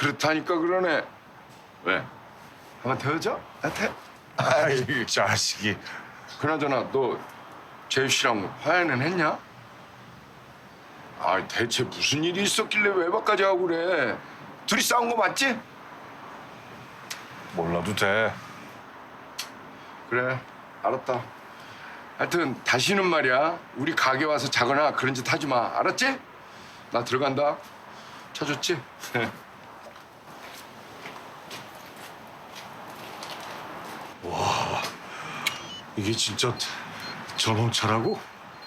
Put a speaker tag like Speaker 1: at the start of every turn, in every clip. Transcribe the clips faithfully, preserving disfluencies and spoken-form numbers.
Speaker 1: 그렇다니까 그러네. 왜? 한번 태워줘? 나 태.
Speaker 2: 아이 이 자식이.
Speaker 1: 그나저나 너 재유 씨랑 화해는 했냐? 아, 대체 무슨 일이 있었길래 외박까지 하고 그래? 둘이 싸운 거 맞지?
Speaker 2: 몰라도 돼.
Speaker 1: 그래, 알았다. 하여튼 다시는 말이야, 우리 가게 와서 자거나 그런 짓 하지 마. 알았지? 나 들어간다. 쳐줬지?
Speaker 2: 이게 진짜 전홍차라고?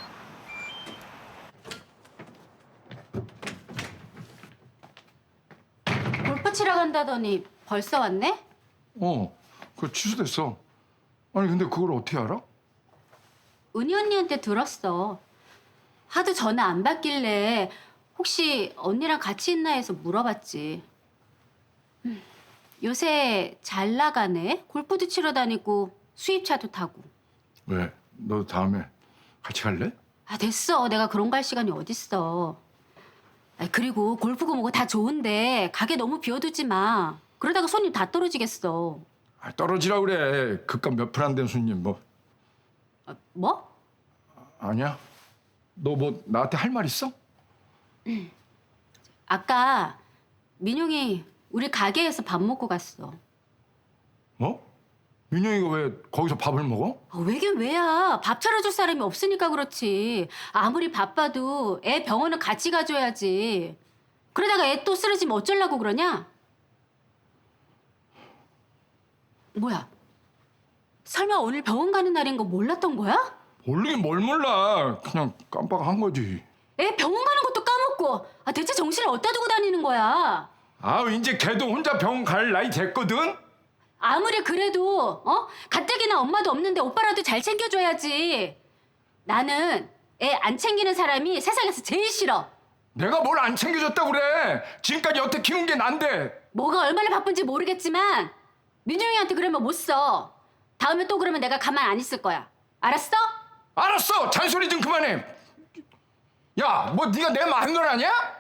Speaker 3: 골프 치러 간다더니 벌써 왔네?
Speaker 1: 어, 그거 취소됐어. 아니 근데 그걸 어떻게 알아?
Speaker 3: 은희 언니한테 들었어. 하도 전화 안 받길래 혹시 언니랑 같이 있나 해서 물어봤지. 음, 요새 잘 나가네. 골프도 치러 다니고 수입차도 타고.
Speaker 1: 왜? 너 다음에 같이 갈래?
Speaker 3: 아 됐어. 내가 그런 거 할 시간이 어딨어. 아, 그리고 골프고 뭐고 다 좋은데 가게 너무 비워두지 마. 그러다가 손님 다 떨어지겠어.
Speaker 1: 아, 떨어지라 그래. 그깟 몇 푼 안 된 손님 뭐.
Speaker 3: 아, 뭐?
Speaker 1: 아니야? 너 뭐 나한테 할 말 있어?
Speaker 3: 아까 민용이 우리 가게에서 밥 먹고 갔어.
Speaker 1: 뭐? 민영이가 왜 거기서 밥을 먹어?
Speaker 3: 아, 왜긴 왜야. 밥 차려줄 사람이 없으니까 그렇지. 아무리 바빠도 애 병원은 같이 가줘야지. 그러다가 애 또 쓰러지면 어쩌려고 그러냐? 뭐야? 설마 오늘 병원 가는 날인 거 몰랐던 거야?
Speaker 1: 모르긴 뭘 몰라. 그냥 깜빡한 거지.
Speaker 3: 애 병원 가는 것도 까먹고. 아, 대체 정신을 어디다 두고 다니는 거야?
Speaker 1: 아, 이제 걔도 혼자 병원 갈 나이 됐거든?
Speaker 3: 아무리 그래도 어? 가뜩이나 엄마도 없는데 오빠라도 잘 챙겨줘야지. 나는 애 안 챙기는 사람이 세상에서 제일 싫어.
Speaker 1: 내가 뭘 안 챙겨줬다고 그래. 지금까지 여태 키운 게 난데.
Speaker 3: 뭐가 얼마나 바쁜지 모르겠지만 민용이한테 그러면 못 써. 다음에 또 그러면 내가 가만 안 있을 거야. 알았어?
Speaker 1: 알았어. 잔소리 좀 그만해. 야, 뭐 네가 내 마누라냐?